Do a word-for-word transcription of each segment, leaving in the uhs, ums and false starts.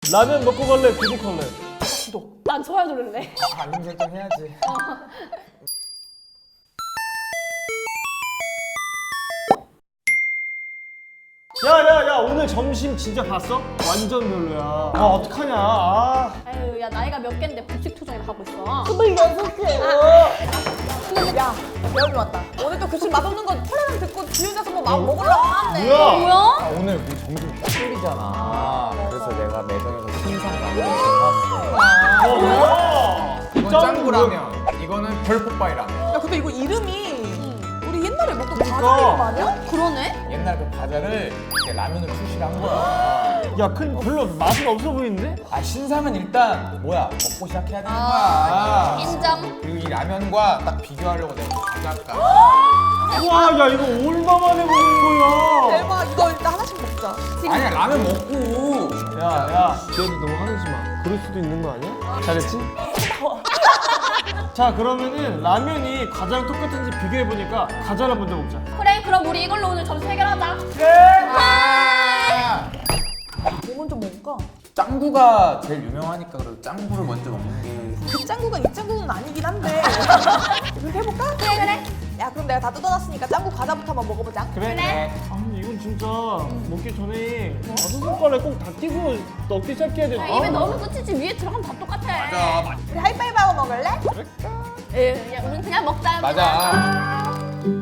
라면 먹고 갈래? 구독할래? 구독. 난 좋아요 누를래. 알림 설정 해야지. 야야야 오늘 점심 진짜 봤어? 완전 별로야. 아 어떡하냐. 아. 아유 야 나이가 몇 갠데 급식 투정이나 하고 있어. 스물여섯 개. 야, 배움이 왔다. 오늘 또 급식 맛없는 거 콜라랑 듣고 지 혼자서 뭐 막 먹으려고 하네. 뭐야? 뭐야? 아, 오늘 우리 점심 짠이잖아. 그래서 내가 매장에서 신상 라면을 사왔어. 어 뭐야? 이건 짱구라면, 이거는 별뽀빠이라면. 야, 근데 이거 이름이 우리 옛날에 먹던 과자 그러니까. 이름 아니야? 그러네? 옛날 그 과자를 이렇게 라면으로 출시를 한 거야. 야 큰 별로 맛은 없어 보이는데? 아 신상은 일단 뭐야 먹고 시작해야 되는 아, 거야. 인정. 그리고 이 라면과 딱 비교하려고 내가 과자가. 와 야 이거 얼마만에 먹는 거야? 대박, 이거 일단 하나씩 먹자. 아니야 라면 먹고. 야야 지혜도 너무 화내지 마. 그럴 수도 있는 거 아니야? 잘했지? 자 그러면은 라면이 과자랑 똑같은지 비교해보니까 과자를 먼저 먹자. 그래 그럼 우리 이걸로 오늘 점수 해결하자. 그래! 아, 뭐 먼저 먹을까? 짱구가 제일 유명하니까 그래도 짱구를 먼저 먹는 게. 그 짱구가 이 짱구는 아니긴 한데. 그렇게 해볼까? 그래 그래. 야, 그럼 내가 다 뜯어놨으니까 짱구 과자부터 한번 먹어보자. 그래? 그래. 아 근데 이건 진짜 먹기 전에 다섯 손가락에 꼭 다 끼고 넣기 시작해야 돼. 야, 입에 넣으면 끝이지 위에 들어가면 다 똑같아. 맞아 맞- 우리 하이파이브 하고 먹을래? 에, 야 우린 그냥 먹자. 맞아.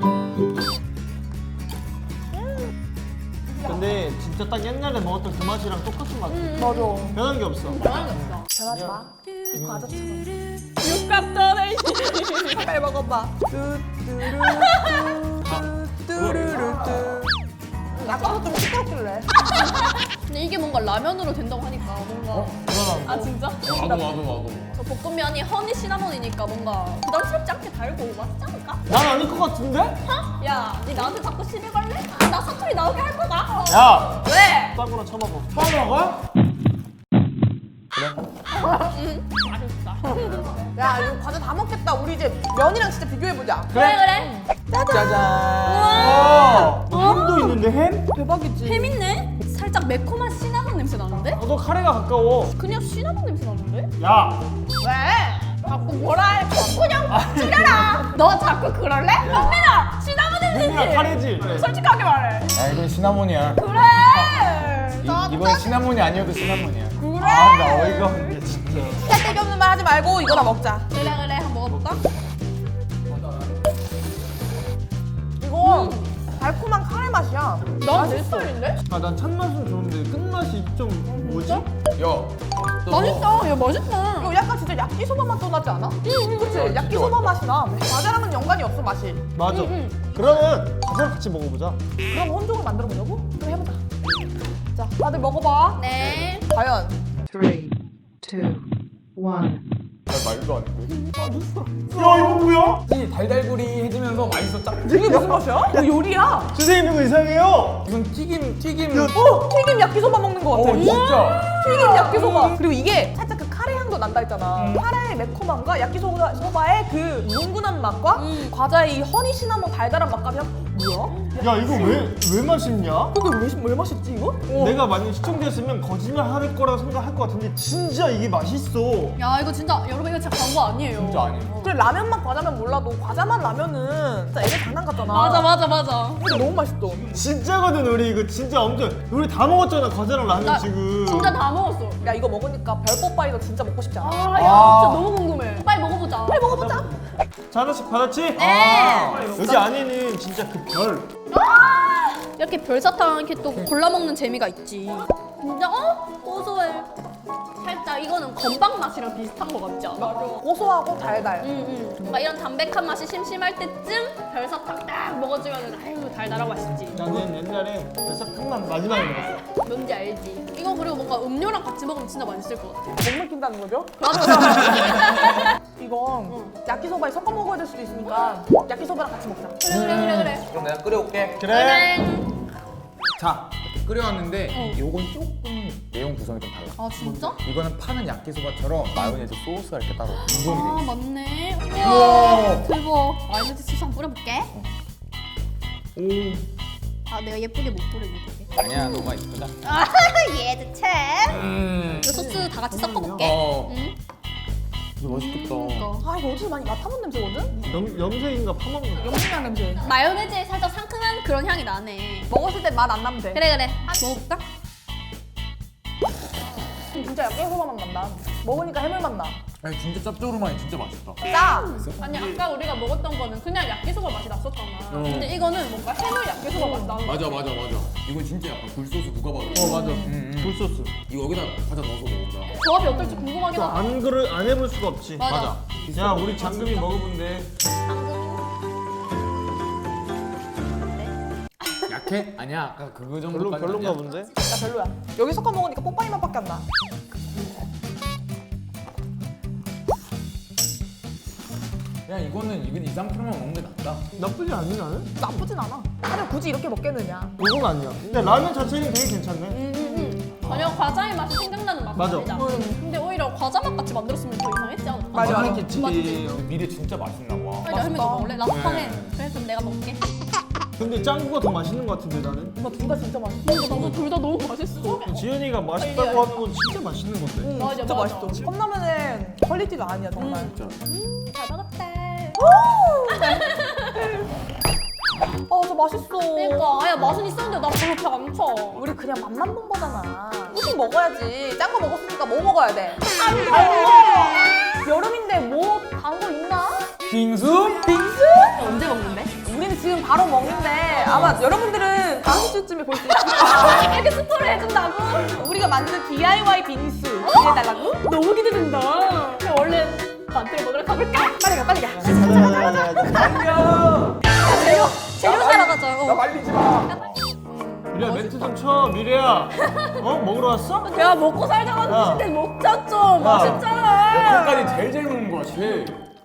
근데 진짜 딱 옛날에 먹었던 그 맛이랑 똑같은 맛. 맞아. 변한 게 없어. 변한 게 없어. 변하지 마. 이 과자처럼. 육갑더네. 빨리 먹어봐. 뚜뚜루 뚜뚜루뚜. 아까부터 좀 시끄럽길래. 근데 이게 뭔가 라면으로 된다고 하니까 뭔가. 불안한 아 진짜? 나도 나도 나도. 저 볶음면이 허니 시나몬이니까 뭔가 부담스럽지 않게 달고 맛있지 않을까? 난 아닐 것 같은데? 어? 야, 니 나한테 자꾸 시비 걸래? 나 사투리 나오게 할 거다. 야! 왜? 짱구나 쳐먹어. 쳐먹어? 응, 맛있다. 야, 이거 과자 다 먹겠다. 우리 이제 면이랑 진짜 비교해보자. 그래 그래. 짜잔. 어! 너 햄도 있는데 햄? 대박이지. 햄 있네? 살짝 매콤한 시나몬 냄새 나는데? 어, 너 카레가 가까워. 그냥 시나몬 냄새 나는데? 야! 왜? 자꾸 뭐라 해? 그냥 지려라. 너 자꾸 그럴래? 현민아, 시나몬 햄이랑 냄새지? 카레지? 솔직하게 말해. 야 이건 시나몬이야. 그래. 이, 이번 시나몬이 아니어도 시나몬이야. 그래. 아, 나 어이가 없네, 진짜. 쓸데기 없는 말 하지 말고 이거나 먹자. 그래 그래 한번 먹어볼까? 이거 달콤한 카레 맛이야. 난내 스타일인데? 아, 난 찬맛은 좋은데 끝맛이 좀 뭐지? 야. 맛있다. 야 맛있다. 이거 약간 진짜 야끼소바 맛 또 나지 않아? 응, 그치? 진짜 야끼소바 맛이 나. 과자랑은 연관이 없어, 맛이. 맞아. 응, 그러면 과자를 같이 먹어보자. 그럼 혼종을 만들어 보려고? 그래, 해보자. 자, 다들 먹어봐. 네. 과연. Three, two, one. 말도 안 돼. 야, 이거 뭐야? 이 달달구리 해지면서 맛있어 짝. 이게 무슨 맛이야? 이거 요리야. 선생님, 이거 이상해요. 무슨 튀김 튀김. 어, 튀김 야끼소바 먹는 것 같아. 어 진짜. 튀김 야끼소바. 그리고 이게 살짝 그 카레 향도 난다 했잖아. 카레의 매콤함과 야끼소바의 그 뭉근한 맛과 음. 과자의 이 허니 시나몬 달달한 맛까지 합- 뭐야? 야, 이거 왜, 왜 맛있냐? 그게 왜, 왜 맛있지 이거? 내가 만약 시청자였으면 거짓말 할 거라고 생각할 것 같은데 진짜 이게 맛있어. 야 이거 진짜 여러분 이거 진짜 광고 아니에요. 진짜 아니에요. 그래, 라면 맛 과자면 몰라도 과자 맛 라면은 진짜 애들 장난 같잖아. 맞아 맞아 맞아. 근데 너무 맛있어. 진짜거든, 우리 이거 진짜 엄청. 우리 다 먹었잖아, 과자랑 라면 나 지금. 진짜 다 먹었어. 야, 이거 먹으니까 별뽀빠이도 진짜 먹고 싶지 않아? 아, 야, 아. 진짜 너무 궁금해. 빨리 먹어보자. 빨리 먹어보자. 자, 하나씩 받았지? 네. 여기 안에는 진짜 그 별. 이렇게 별사탕 이렇게 또 골라 먹는 재미가 있지. 진짜 어? 고소해. 살짝 이거는 건빵 맛이랑 비슷한 거 같지 않아? 고소하고 달달. 응응. 뭔가 이런 담백한 맛이 심심할 때쯤 별사탕 딱 먹어주면은 아유 달달하고 맛있지. 나는 옛날에 별사탕만 마지막에 먹었어. 뭔지 알지? 이거 그리고 뭔가 음료랑 같이 먹으면 진짜 맛있을 것 같아. 못 먹힌다는 거죠? 맞아. 이건 야끼소바에 섞어 먹어야 될 수도 있으니까 야끼소바랑 같이 먹자. 그래 그래 그래 그래. 그럼 내가 끓여올게. 그래. 그래. 자 이렇게 끓여왔는데 어. 요건 조금 내용 구성이 좀 달라. 아 진짜? 이거는 파는 야끼소바처럼 마요네즈 소스가 이렇게 따로 아 구성이 돼 있어. 맞네. 우와. 우와 대박. 마요네즈 소스 한번 뿌려볼게. 오. 아 내가 예쁘게 못 뿌리네 되게. 아니야 너가 이쁘다. 아 얘도 참. 음. 이 소스 다 같이 섞어볼게. 어. 응? 이거 맛있겠다. 이거. 아 이거 어디서 많이 맡아본 냄새거든? 염, 염색인가 파마인가? 염색약 냄새. 마요네즈에 살짝 상큼한 그런 향이 나네. 먹었을 때 맛 안 나면 돼. 그래 그래. 먹어볼까? 진짜 야끼소바 맛 난다. 먹으니까 해물 맛 나. 아니 진짜 짭조름하니 진짜 맛있다. 짜. 아니 아까 우리가 먹었던 거는 그냥 야끼소바 맛이 났었잖아. 어. 근데 이거는 뭔가 해물 야끼소바 맛이 나는 거야. 맞아 맞아 맞아. 이건 진짜 약간 굴소스 누가 봐도. 어 맞아. 음, 음. 굴소스. 이거 여기다 과자 넣어서 먹자. 조합이 어떨지 궁금하긴 하다. 안 그를 안 해볼 수가 없지. 맞아. 야 우리 장금이 먹어본대. 약해? 아니야. 아까 그거 정도. 별로 별론가 본데. 야 별로야. 여기 섞어 먹으니까 뽀빠이 맛밖에 안 나. 야 이거는 이건 이 상태로만 먹는 게 낫다. 나쁘지 않니 나는? 나쁘진 않아. 하루 굳이 이렇게 먹겠느냐. 그건 아니야. 근데 라면 자체는 되게 괜찮네. 음, 전혀 과자의 맛이 생각나는 맛이 맞아. 아니다. 근데 오히려 과자 맛 같이 만들었으면 더 이상했지 않을까? 맞아. 맛있겠지. 맞지? 미래 진짜 맛있나 봐. 빨리 할머니 너 먹을래? 나도 네. 팡해. 그래 그럼 내가 먹게. 근데 짱구가 더 맛있는 것 같은데 나는. 엄마 둘 다 진짜 맛있어. 근데 나도 둘 다 너무 맛있어. 지은이가 맛있다고 하는 건 진짜 맛있는 건데. 응, 맞아, 진짜 맞아. 맛있어. 컵라면은 퀄리티가 아니야 정말. 진짜. 잘 먹었다. 아, 저 맛있어. 그러니까 아야 맛은 있었는데 나 별로 배 안 차. 우리 그냥 맛만 본 거잖아. 후식 먹어야지. 짠 거 먹었으니까 뭐 먹어야 돼? 안 돼. 여름인데 뭐 단 거 있나? 빙수? 빙수? 언제 먹는데? 우리는 지금 바로 먹는데 아마 여러분들은 다음 주쯤에 볼 수 있어. 이렇게 스토리 해준다고? 우리가 만든 디아이와이 빙수 기대해달라고? 너무 기대된다. 그럼 얼른 만들어 먹으러 가볼까? 빨리 가, 빨리 가. 재료 재료 사러 가자. 어. 말리지 마. 미래야 멘트 좀 쳐. 미래야. 어 먹으러 왔어? 야 먹고 살자고 야. 하는데 먹자 좀. 야. 맛있잖아. 거기까지 제일 잘 먹는 거야 제일.